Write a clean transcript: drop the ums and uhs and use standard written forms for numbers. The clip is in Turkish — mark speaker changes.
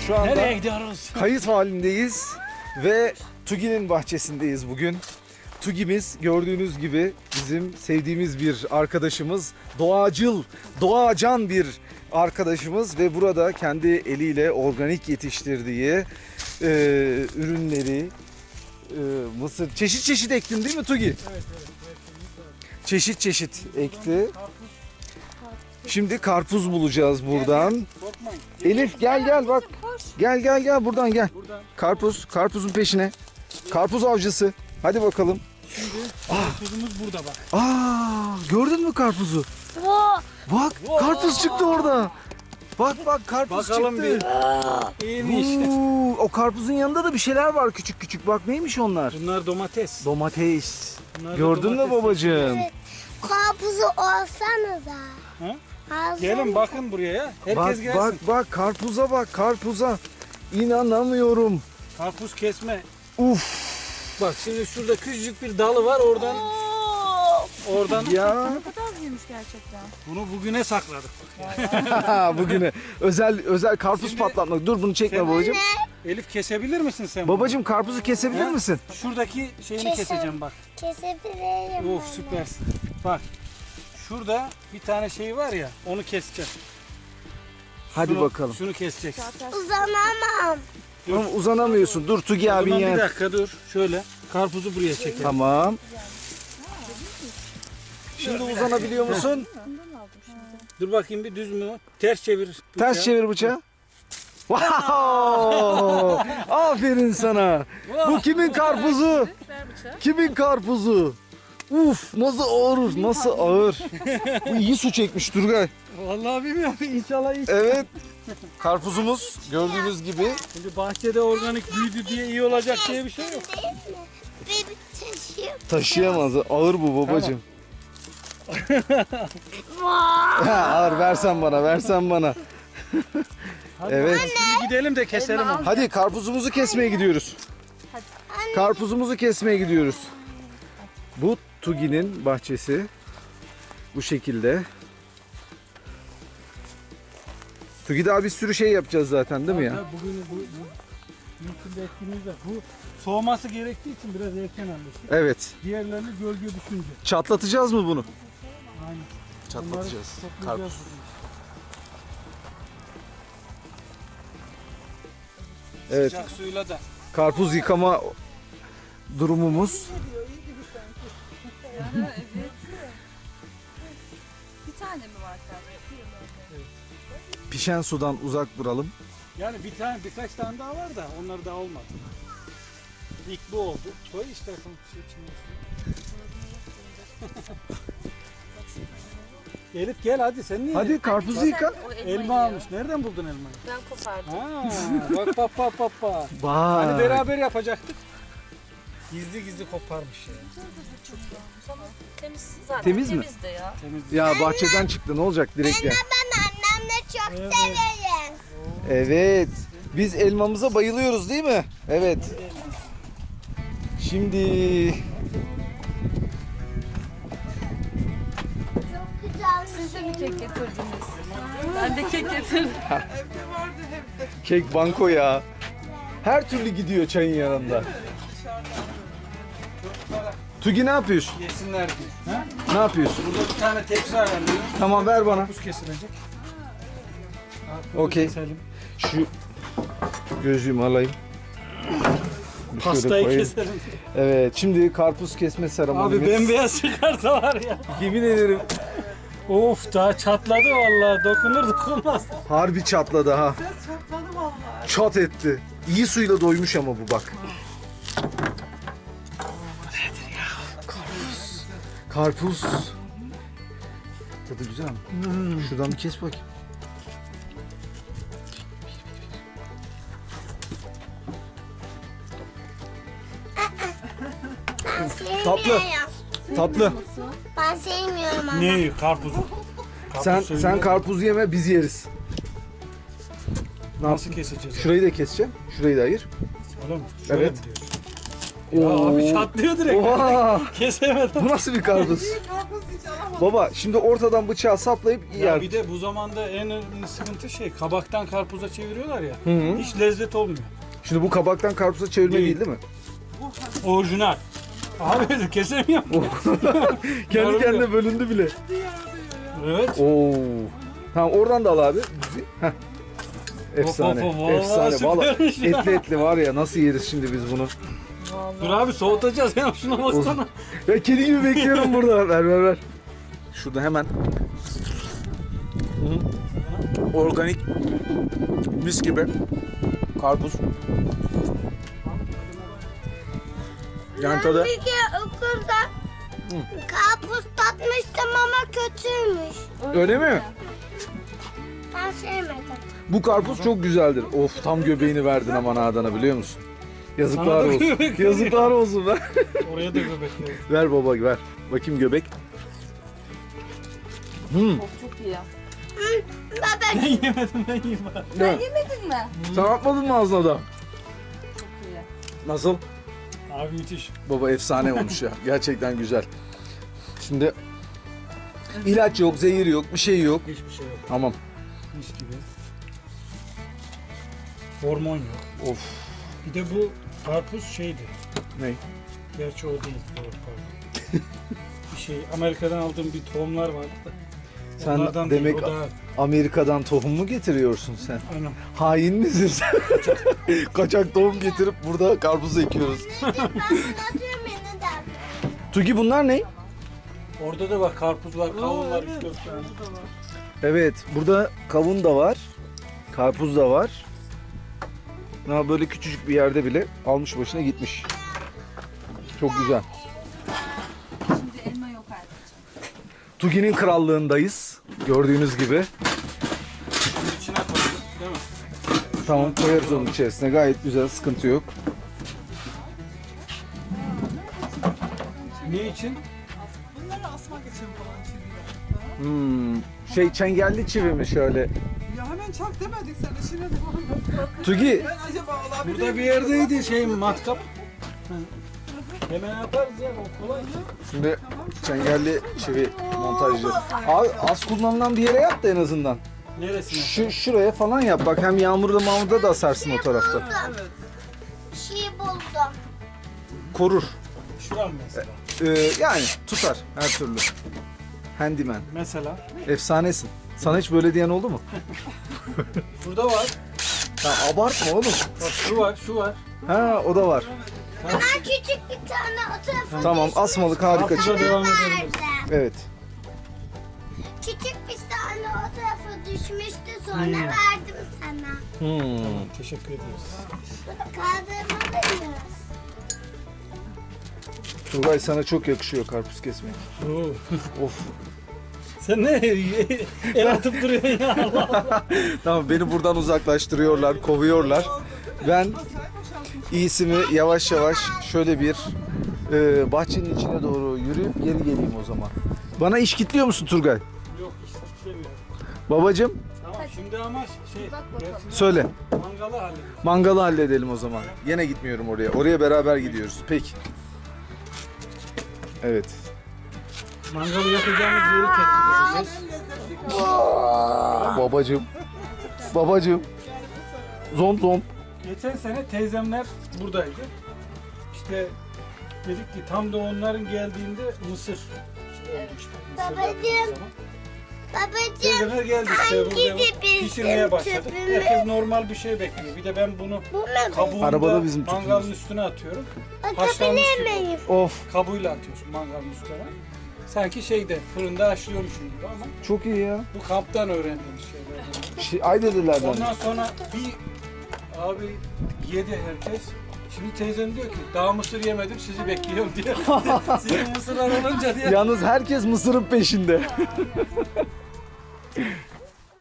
Speaker 1: Şu anda
Speaker 2: Nereye gidiyoruz?
Speaker 1: kayıt halindeyiz ve Tugi'nin bahçesindeyiz bugün. Tugi'miz gördüğünüz gibi bizim sevdiğimiz bir arkadaşımız, doğacıl, doğacan bir arkadaşımız ve burada kendi eliyle organik yetiştirdiği ürünleri, mısır, çeşit çeşit ektin değil mi Tugi?
Speaker 2: Evet.
Speaker 1: Çeşit çeşit ekti. Şimdi karpuz bulacağız buradan.
Speaker 2: Korkmayın.
Speaker 1: Elif gel bak. Gel buradan gel.
Speaker 2: Buradan.
Speaker 1: Karpuzun peşine. Karpuz avcısı. Hadi bakalım.
Speaker 2: Şimdi karpuzumuz burada bak.
Speaker 1: Gördün mü karpuzu? Bak karpuz çıktı orada. Bak karpuz
Speaker 2: Bakalım
Speaker 1: çıktı.
Speaker 2: İyiymiş.
Speaker 1: O karpuzun yanında da bir şeyler var küçük küçük. Bak neymiş onlar?
Speaker 2: Bunlar domates.
Speaker 1: Domates.
Speaker 2: Bunlar da
Speaker 1: Gördün mü
Speaker 2: domates.
Speaker 1: babacığım?
Speaker 3: Karpuzu olsanıza.
Speaker 2: Ha?
Speaker 3: Alsanıza.
Speaker 2: Gelin bakın buraya ya. Herkes gelsin.
Speaker 1: Bak karpuza. İnanamıyorum.
Speaker 2: Karpuz kesme.
Speaker 1: Uf
Speaker 2: Bak şimdi şurada küçücük bir dalı var oradan
Speaker 1: ya.
Speaker 4: Ne kadar büyümüş gerçekten.
Speaker 2: bunu bugüne sakladık.
Speaker 1: Bugüne özel karpuz patlatmak. Dur bunu çekme
Speaker 2: Sen-
Speaker 1: babacığım.
Speaker 2: Elif kesebilir misin sen bunu?
Speaker 1: Babacığım karpuzu kesebilir
Speaker 2: Ha?
Speaker 1: misin?
Speaker 2: Şuradaki şeyini
Speaker 3: Keser.
Speaker 2: keseceğim bak.
Speaker 3: Kesebilirim.
Speaker 2: Of süpersin. Bak. Şurada bir tane şey var ya onu keseceğim.
Speaker 1: Hadi
Speaker 2: Şunu-
Speaker 1: bakalım.
Speaker 2: Şunu keseceksin.
Speaker 3: Uzanamam.
Speaker 1: Ama uzanamıyorsun. Dur Tugi
Speaker 2: O
Speaker 1: abin
Speaker 2: zaman bir
Speaker 1: yer.
Speaker 2: dakika dur. Şöyle karpuzu buraya çekelim.
Speaker 1: Tamam. Şimdi uzanabiliyor musun?
Speaker 2: Dur bakayım bir düz mü? Ters çevir. bıçağı.
Speaker 1: Ters çevir bıçağı. Wow! Aferin sana. Bu kimin karpuzu? Kimin karpuzu? Uf nasıl ağır, nasıl ağır. Bu iyi su çekmiş Turgay.
Speaker 2: Vallahi bilmiyorum. İnşallah iyi.
Speaker 1: Evet. Karpuzumuz gördüğünüz gibi.
Speaker 2: Şimdi bahçede organik büyüdü diye iyi olacak diye bir şey yok.
Speaker 3: Değil mi? Bir taşıyım.
Speaker 1: Taşıyamaz. Ağır bu babacığım. Ağır versen bana.
Speaker 2: Hadi
Speaker 1: Evet.
Speaker 2: bakalım, şimdi gidelim de keselim onu.
Speaker 1: Hadi karpuzumuzu kesmeye gidiyoruz. Karpuzumuzu kesmeye gidiyoruz. Bu Tugi'nin bahçesi. Bu şekilde. Tugi daha bir sürü şey yapacağız zaten değil mi ya?
Speaker 2: Bugün bu mümkün etkinliğimiz var. Bu soğuması gerektiği için biraz erken almıştık.
Speaker 1: Evet.
Speaker 2: Diğerlerini gölge düşünce.
Speaker 1: Çatlatacağız mı bunu?
Speaker 2: Aynen.
Speaker 1: Çatlatacağız.
Speaker 2: Bunları toplayacağız.
Speaker 1: Evet.
Speaker 2: Sıcak suyla da.
Speaker 1: Karpuz yıkama durumumuz.
Speaker 4: Bir tane mi var karpuz?
Speaker 1: Pişen sudan uzak duralım.
Speaker 2: Yani birkaç tane daha var da onlar daha olmadı. İlk bu oldu. Koy istersen şey içine. Elif gel hadi sen niye?
Speaker 1: Hadi karpuzu yıka.
Speaker 2: Elma almış. Nereden buldun elmayı?
Speaker 4: Ben kopardım.
Speaker 2: Bak.
Speaker 1: Vay.
Speaker 2: Hani beraber yapacaktık. Gizli koparmış ya.
Speaker 4: Temiz zaten.
Speaker 1: Temiz mi?
Speaker 4: Temiz de ya.
Speaker 2: Temiz.
Speaker 1: Ya bahçeden çıktı ne olacak direkt ya.
Speaker 3: Ben annemle çok
Speaker 2: Evet.
Speaker 3: severim.
Speaker 1: Evet. Biz elmamıza bayılıyoruz değil mi? Evet. Şimdi
Speaker 3: Çok güzel.
Speaker 4: Siz de mi kek getirdiniz? Ben de kek getirdim.
Speaker 1: kek banko ya. Her türlü gidiyor çayın yanında. Tugi ne yapıyorsun?
Speaker 2: Yesinler diye. Ha?
Speaker 1: Ne yapıyorsun?
Speaker 2: Burada bir tane tepsi ayarlıyor.
Speaker 1: Tamam ver bana.
Speaker 2: Buz kesilecek.
Speaker 1: Okey.
Speaker 2: Keselim.
Speaker 1: Şu gözlüğümü alayım. Bir şöyle
Speaker 2: Pastayı
Speaker 1: koyayım.
Speaker 2: keselim.
Speaker 1: Evet şimdi karpuz kesme seremonimiz.
Speaker 2: Abi bembeyaz çıkarsa var ya.
Speaker 1: Yemin ederim
Speaker 2: Of daha çatladı vallahi. Dokunmaz.
Speaker 1: harbi çatladı ha. Çat etti. İyi suyla doymuş ama bu bak. Nedir ya? Karpuz. Tadı güzel mi? Şuradan bir kes bakayım. Tatlı. Tatlı.
Speaker 3: Ben sevmiyorum ama.
Speaker 2: Ne? Karpuzu.
Speaker 1: Sen karpuz yeme biz yeriz.
Speaker 2: Nasıl keseceğiz?
Speaker 1: Şurayı da keseceğim. Şurayı da ayır.
Speaker 2: Öyle mi?
Speaker 1: Evet.
Speaker 2: mi diyorsun? Ya
Speaker 1: Oo.
Speaker 2: abi çatlıyor direkt.
Speaker 1: Oha!
Speaker 2: Kesemedim.
Speaker 1: Bu nasıl bir karpuz? Baba şimdi ortadan bıçağı saplayıp
Speaker 2: Ya
Speaker 1: yer.
Speaker 2: bir de bu zamanda en önemli sıkıntı kabaktan karpuza çeviriyorlar ya.
Speaker 1: Hı hı.
Speaker 2: Hiç lezzet olmuyor.
Speaker 1: Şimdi bu kabaktan karpuza çevirme değil mi?
Speaker 2: Orijinal. Abi kesemiyorum.
Speaker 1: Kendi
Speaker 2: Yarım
Speaker 1: kendine bölündü bile.
Speaker 2: Evet.
Speaker 1: Oo. Tamam oradan da al abi. Heh. Efsane.
Speaker 2: Of, of, of, vallahi
Speaker 1: Efsane. Vallahi
Speaker 2: süpermiş ya.
Speaker 1: etli etli var ya nasıl yeriz şimdi biz bunu?
Speaker 2: Dur abi soğutacağız ya şuna baksana.
Speaker 1: Ya kedi gibi bekliyorum burada. Ver. Şurada hemen. Organik mis gibi karpuz. Yani tadı
Speaker 3: Bir kere okulda karpuz tatmıştım ama kötüymüş.
Speaker 1: öyle mi?
Speaker 3: Ben sevmedim.
Speaker 1: Bu karpuz çok güzeldir. Of tam göbeğini verdin aman Adana biliyor musun? Yazıklar
Speaker 2: Sana da
Speaker 1: olsun.
Speaker 2: göbek
Speaker 1: Yazıklar olsun ver.
Speaker 2: Oraya da göbekli.
Speaker 1: Ver baba ver. Bakayım göbek.
Speaker 4: Çok iyi.
Speaker 3: Baba
Speaker 2: Ben yemedim ben yiyeyim bari.
Speaker 1: Ne?
Speaker 4: Yemedin mi?
Speaker 1: Sen atmadın mı ağzına da?
Speaker 4: Çok iyi.
Speaker 1: Nasıl?
Speaker 2: Abi müthiş.
Speaker 1: Baba efsane olmuş ya. Gerçekten güzel. Şimdi ilaç yok, zehir yok, bir şey yok.
Speaker 2: Hiçbir şey yok.
Speaker 1: Tamam.
Speaker 2: Mis gibi. Hormon yok.
Speaker 1: Of.
Speaker 2: Bir de bu karpuz
Speaker 1: Ne?
Speaker 2: Gerçi o değil. Doğru, pardon. Bir Amerika'dan aldığım bir tohumlar vardı da.
Speaker 1: Sen
Speaker 2: Onlardan
Speaker 1: demek
Speaker 2: değil, o daha...
Speaker 1: Amerika'dan tohum mu getiriyorsun sen?
Speaker 2: Aynen.
Speaker 1: Hain misin sen? Kaçak tohum getirip burada karpuz ekiyoruz.
Speaker 3: ben atıyorum yine de.
Speaker 1: Tugi bunlar ne?
Speaker 2: Orada da var karpuz var, kavun var, 3-4 tane.
Speaker 1: Evet, burada kavun da var. Karpuz da var. Ha, böyle küçücük bir yerde bile almış başına gitmiş. Çok güzel.
Speaker 4: Şimdi elma yok artık.
Speaker 1: Tugi'nin krallığındayız. Gördüğünüz gibi.
Speaker 2: Bunun içine koyduk, değil mi?
Speaker 1: Tamam koyarız onun içerisine. Gayet güzel, sıkıntı yok.
Speaker 2: Ne için?
Speaker 5: Bunları asmak için falan çiviler.
Speaker 1: Çengelli çivi mi şöyle?
Speaker 5: Ya hemen çak demedik sana şimdi devam.
Speaker 1: Tugi,
Speaker 5: Ben acaba olabilir
Speaker 2: Burada bir yerdeydi matkap. Hemen yaparız ya, o kolay.
Speaker 1: şimdi çengelli çivi montajı. Abi az kullanılan bir yere yap da en azından.
Speaker 2: Neresine?
Speaker 1: Şuraya falan yap. Bak hem yağmurda mağmurda da asarsın o tarafta.
Speaker 3: Bir şey buldum.
Speaker 1: Korur.
Speaker 2: Şuram mesela.
Speaker 1: Yani tutar her türlü. Handyman.
Speaker 2: Mesela.
Speaker 1: Efsanesin. Sana hiç böyle diyen oldu mu?
Speaker 2: Burada var.
Speaker 1: Ya abartma oğlum.
Speaker 2: Bak şu var, şu var.
Speaker 1: Ha o da var.
Speaker 3: Ben küçük bir tane o tarafa
Speaker 1: Tamam asmalık harika
Speaker 2: Karpuza
Speaker 1: çıktı.
Speaker 2: devam edelim.
Speaker 3: verdim.
Speaker 1: Evet.
Speaker 3: Küçük bir tane o tarafa düşmüştü sonra
Speaker 2: Hmm.
Speaker 3: verdim sana.
Speaker 2: Teşekkür ederiz.
Speaker 3: Kaldırmalıyız.
Speaker 1: Turgay sana çok yakışıyor karpuz kesmek.
Speaker 2: Oo.
Speaker 1: Of.
Speaker 2: Sen ne el atıp duruyorsun ya Allah Allah.
Speaker 1: Tamam beni buradan uzaklaştırıyorlar, kovuyorlar. Ben iyisi mi yavaş yavaş şöyle bir bahçenin içine doğru yürüyüp geri geleyim o zaman. Bana iş kitliyor musun Turgay?
Speaker 2: Yok istemiyorum.
Speaker 1: Babacım
Speaker 2: Tamam şimdi ama
Speaker 1: söyle.
Speaker 2: mangalı halledelim.
Speaker 1: Mangalı halledelim o zaman. Yine gitmiyorum oraya. Oraya beraber gidiyoruz. Peki. Evet.
Speaker 2: Mangalı yakacağımız yeri tespit edeceğiz.
Speaker 1: Babacım. Babacım. Zom zom.
Speaker 2: Geçen sene teyzemler buradaydı. İşte dedik ki tam da onların geldiğinde mısır oldu işte. Mısır
Speaker 3: Babacığım.
Speaker 2: yapıldığı zaman.
Speaker 3: Babacığım
Speaker 2: Teyzeler geldi işte
Speaker 3: hangi
Speaker 2: burada
Speaker 3: bizim
Speaker 2: pişirmeye başladık.
Speaker 3: tüpümüz?
Speaker 2: Herkes normal bir şey bekliyor. Bir de ben bunu
Speaker 3: bu mu?
Speaker 2: kabuğunda
Speaker 1: Arabada bizim tüpümüz.
Speaker 2: mangalın üstüne atıyorum. Haşlanmış
Speaker 3: Atabilir
Speaker 2: gibi oluyor.
Speaker 3: miyim?
Speaker 1: Of.
Speaker 2: Kabuğuyla atıyorsun mangalın üstüne. Sanki fırında haşlıyormuşum gibi ama
Speaker 1: Çok iyi ya.
Speaker 2: bu kamptan öğrendiğimiz şeyler.
Speaker 1: Aydedirlerden.
Speaker 2: Ondan sonra bir abi yedi herkes. Şimdi teyzem diyor ki daha mısır yemedim sizi bekliyorum diye. Sizin mısırlar olunca diye.
Speaker 1: Yalnız herkes mısırın peşinde.